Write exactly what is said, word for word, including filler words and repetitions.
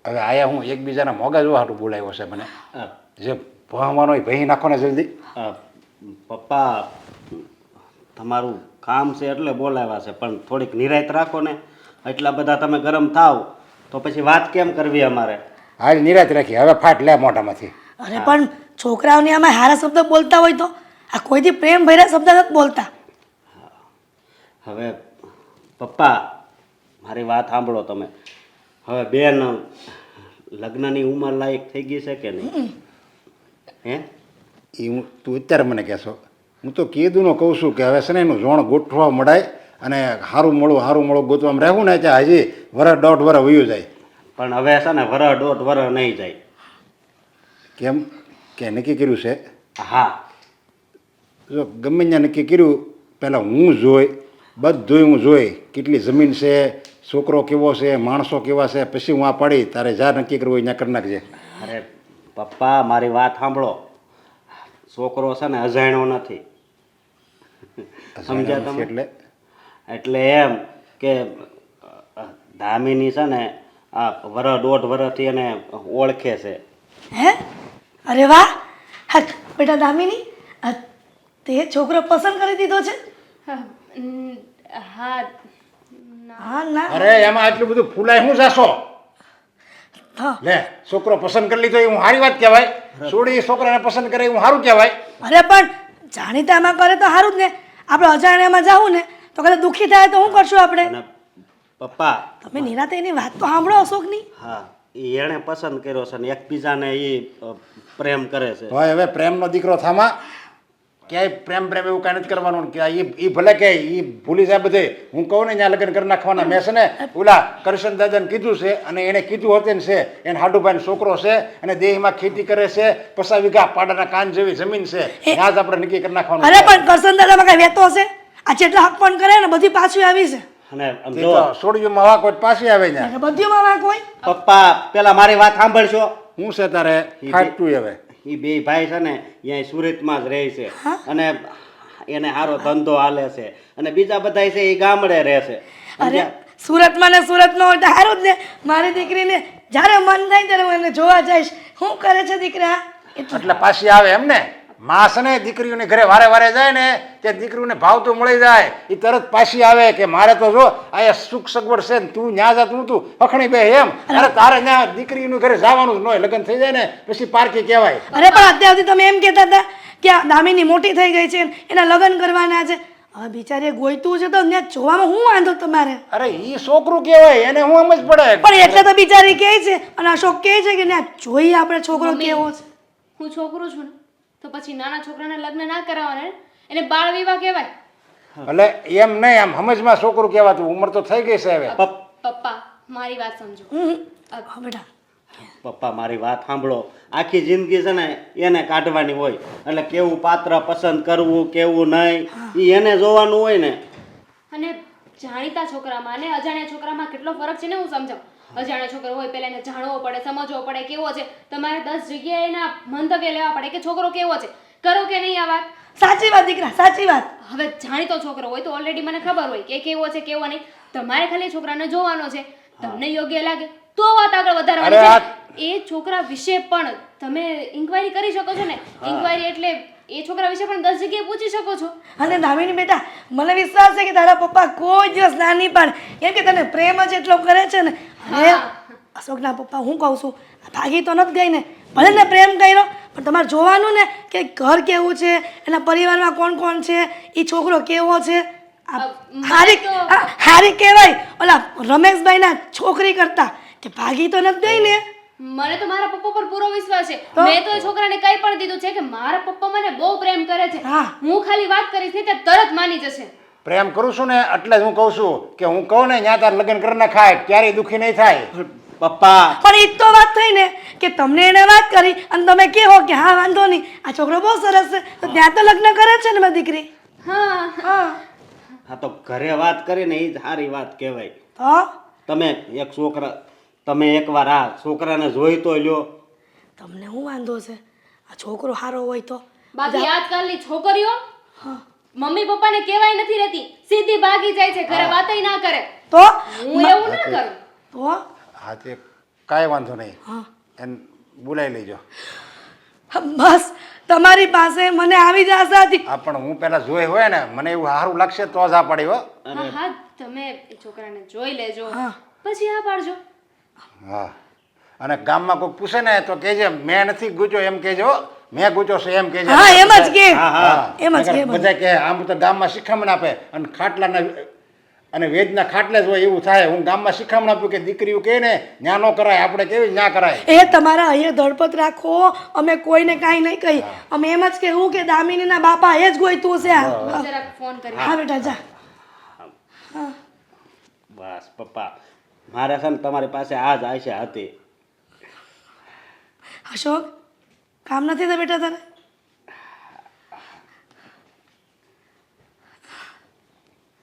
હવે આયા હું એકબીજાના મોગા જોવા હાટું બોલાવ્યો છે મને જે ભણવાનો હોય ભહી નાખો ને જલ્દી. પપ્પા તમારું કામ છે એટલે બોલાવ્યા છે, પણ થોડીક નિરાયત રાખો ને. એટલા બધા તમે ગરમ થાવ તો પછી વાત કેમ કરવી અમારે? હાલ નિરાત રાખી, હવે ફાટ લે મોઢામાંથી. અરે પણ છોકરાઓને આમાં હારા શબ્દ બોલતા હોય તો આ કોઈથી પ્રેમ ભર્યા શબ્દ નથી બોલતા. હવે પપ્પા મારી વાત સાંભળો તમે. હવે બેન લગ્નની ઉંમર લાયક થઈ ગઈ છે કે નહીં? હે એ હું તું અત્યારે મને કહેશો, હું તો કીધું કહું છું કે હવે છે ને એનું જોણ ગોઠવા મળાય અને સારું મળું સારું મળું ગોતવામાં રહેવું ને ત્યાં હજી વરસ દોઢ વરસ વયું જાય. પણ હવે છે ને વરસ દોઢ વરસ નહીં જાય. કેમ કે નક્કી કર્યું છે? હા, જો ગમે ત્યાં નક્કી કર્યું પહેલાં હું જોઈ બધું હું જોઈ કેટલી જમીન છે, છોકરો કેવો છે, માણસો કેવા છે, પછી હું આ પાડી તારે જ્યાં નક્કી કરવું હોય ત્યાં કરી નાખજે. અરે પપ્પા મારી વાત સાંભળો. છોકરો છે ને અજાણ્યો નથી, સમજ્યા તમે? એટલે એટલે એમ કે દામિની છે ને આ વરસ દોઢ વરસથી એને ઓળખે છે. હે અરે વાહ. હા બેટા દામિની, આ તે છોકરો પસંદ કરી દીધો છે? હા હા ના અરે એમાં આટલું બધું ફૂલાય હું જાશો? હા લે છોકરો પસંદ કરી લીધો એ હું સારી વાત કહેવાય. છોડી છોકરાને પસંદ કરે હું સારું કહેવાય. અરે પણ જાણીતામાં કરે તો સારું જ ને. આપણે અજાણ્યામાં જાવું ને તો કદાચ દુઃખી થાય તો શું કરશું આપણે? અને પપ્પા તમે નિરાતે એની વાત તો સાંભળો અશોકની. હા એ એણે પસંદ કર્યો છે ને એકબીજાને એ પ્રેમ કરે છે. ભાઈ હવે પ્રેમનો દીકરો થામા ક્યાંય પ્રેમ પ્રેમ એવું કાંઈ નથી કરવાનું કે એ ભલે કે એ ભૂલી જાય બધે. હું કહું ને ત્યાં લગ્ન કરી નાખવાના. મેં છે ને ઓલા કરશન દાદાને કીધું છે અને એણે કીધું હતું ને છે એને હાડુભાઈનો છોકરો છે અને દેહમાં ખેતી કરે છે, પચાસ વીઘા પાડાના કાન જેવી જમીન છે, ત્યાં જ આપણે નક્કી કરી નાખવાનું. અરે પણ કરશન દાદામાં કઈ વેતો હશે? આ જેટલા હક પણ કરે ને બધી પાછી આવી છે. અને આમ તે જો તો સોડિયુંમાં વાક હોય તો પાછી આવે ને. અને બધીમાં વાંક હોય. પપ્પા પેલા મારી વાત સાંભળશો. હું છે તારે ફાટતું હવે. એ બે ભાઈ છે ને અહીંયા સુરતમાં જ રહે છે અને એને સારો ધંધો હાલે છે અને બીજા બધા છે એ ગામડે રહે છે. અરે સુરતમાં ને સુરતમાં હોય તો સારું જ ને. મારી દીકરીને જ્યારે મન થાય ત્યારે હું એને જોવા જઈશ. શું કરે છે દીકરા? એટલે પાછી આવે એમ ને. માં છે ને દીકરીઓને ઘરે વારે વારે જાય ને તે દીકરીઓને ભાવ તો મળી જાય એ તરત પાછી આવે કે મારે તો જો આ સુખ સગવડ છે ને તું ન્યા જા તું તું અખણી બે એમ. અરે તારે ત્યાં દીકરીનું ઘરે જવાનું જ ન હોય. લગ્ન થઈ જાય ને પછી પારકી કહેવાય. અરે પણ અત્યાર સુધી તમે એમ કહેતા હતા કે આ દામિની મોટી થઈ ગઈ છે એના લગ્ન કરવાના છે. હવે બિચારી ગોઈતું છે તો ત્યાં જોવામાં શું વાંધો તમારે? અરે ઈ છોકરું કહેવાય એને હું સમજ પડે. પણ એટલે તો બિચારી કહે છે અને અશોક કહે છે કે ત્યાં જોઈએ આપણે છોકરો કેવો છે. હું છોકરો છું ને તો પછી નાના છોકરાને લગ્ન ના કરાવવાના, એને બાળ વિવાહ કહેવાય. એટલે એમ નહીં આમ સમજમાં છોકરું કહેવાતું. ઉંમર તો થઈ ગઈ છે હવે. પપ્પા મારી વાત સમજો. હા બેટા પપ્પા મારી વાત સાંભળો. આખી જિંદગી છે ને એને કાઢવાની હોય એટલે કેવું પાત્ર પસંદ કરવું કેવું નહીં એ એને જોવાનું હોય ને. અને જાણીતા છોકરામાં અને અજાણ્યા છોકરામાં કેટલો ફરક છે ને હું સમજાવું. અજાણ્યા છોકરો હોય પહેલા એને જાણવો પડે, સમજવો પડે કેવો છે. તમારે દસ જગ્યાએ એના મંતવ્ય લેવા પડે કે છોકરો કેવો છે. કરો કે નહીં આ વાત? સાચી વાત દીકરા સાચી વાત. હવે જાણીતો છોકરો હોય તો ઓલરેડી મને ખબર હોય કે કેવો છે કેવો નહીં. તમારે ખાલી છોકરાને જોવાનો છે. તમને યોગ્ય લાગે તો વાત આગળ વધારવાની છે. એ છોકરા વિશે પણ તમે ઇન્ક્વાયરી કરી શકો છો ને. ઇન્ક્વાયરી એટલે એ છોકરા વિશે પણ દસ જગ્યાએ પૂછી શકો છો. અને દામિની બેટા મને વિશ્વાસ છે કે તારા પપ્પા કોઈ દિવસ ના નહીં પાડે. કેમ કે તને પ્રેમ જ એટલો કરે છે ને. અને અશોકના પપ્પા હું કહું છું ભાગી તો નથી ગઈ ને. ભલે ને પ્રેમ કર્યો પણ તમારે જોવાનું ને કે ઘર કેવું છે, એના પરિવારમાં કોણ કોણ છે, એ છોકરો કેવો છે. હારી હારી કહેવાય ઓલા રમેશભાઈના છોકરી કરતા કે ભાગી તો નથી ગઈ ને. મને તો મારા પપ્પા પર પૂરો વિશ્વાસ છે. મેં તો એ છોકરાને કઈ પણ દીધું છે કે મારા પપ્પા મને બહુ પ્રેમ કરે છે. હું ખાલી વાત કરીશ ને ત્યાં તરત માની જશે. પ્રેમ કરું છું ને એટલે જ હું કહું છું કે હું કહું ને ત્યાં તાર લગ્ન કરી નાખાય ક્યારેય દુઃખી નહીં થાય. પપ્પા પણ એ તો વાત થઈ ને કે તમને એને વાત કરી અને તમે કહો કે હા વાંધો નહીં આ છોકરો બહુ સરસ છે તો ત્યાં તો લગ્ન કરે છે ને મારી દીકરી. હા હા હા તો ઘરે વાત કરીને એ જ સારી વાત કહેવાય. તો તમે એક છોકરા તમે એકવાર આ છોકરાને જોઈ તો લ્યો. તમને શું વાંધો છે? આ છોકરો સારો હોય તો. બાકી આજકાલની છોકરીઓ મમ્મી પપ્પાને કહેવાય નથી રહેતી, સીધી ભાગી જાય છે, ઘરે વાતય ના કરે. તો હું એવું ના કરું. તો હા તે કાંઈ વાંધો નહીં હા એને બોલાવી લેજો. બસ તમારી પાસે મને આવી જ આશા હતી. હા પણ હું પહેલાં જોઈ હોય ને મને એવું સારું લાગશે તો જ આ પાડી હો. હા હા તમે એ છોકરાને જોઈ લેજો હા. પછી હા પાડજો. હા અને ગામમાં કોઈ પૂછે ને તો કહેજે મેં નથી ગૂંચ્યો એમ કહેજો હો. મેં ગૂંચ્યો છે એમ કહેજે. હા એમ જ કે હા હા એમ જ કે બધા કહે આમ તો ગામમાં શિખામણ આપે અને ખાટલાના અને વેદના ખાટલે જ હોય એવું થાય. હું ગામમાં શિખામણ આપ્યું કે દીકરીઓ કહે ને ન્યા ન કરાય, આપણે કેવી ન્યા કરાય. એ તમારા અહીંયા ધડપત રાખો, અમે કોઈને કાંઈ નહીં કહી. અમે એમ જ કહેવું કે દામિનીના બાપા એ જ ગોઈતું છે. હા જરાક ફોન કરી હા બેટા જા. હા બસ પપ્પા મારે છે ને તમારી પાસે આ જ આશા હતી. અશોક કામ નથી થતું બેટા તારે?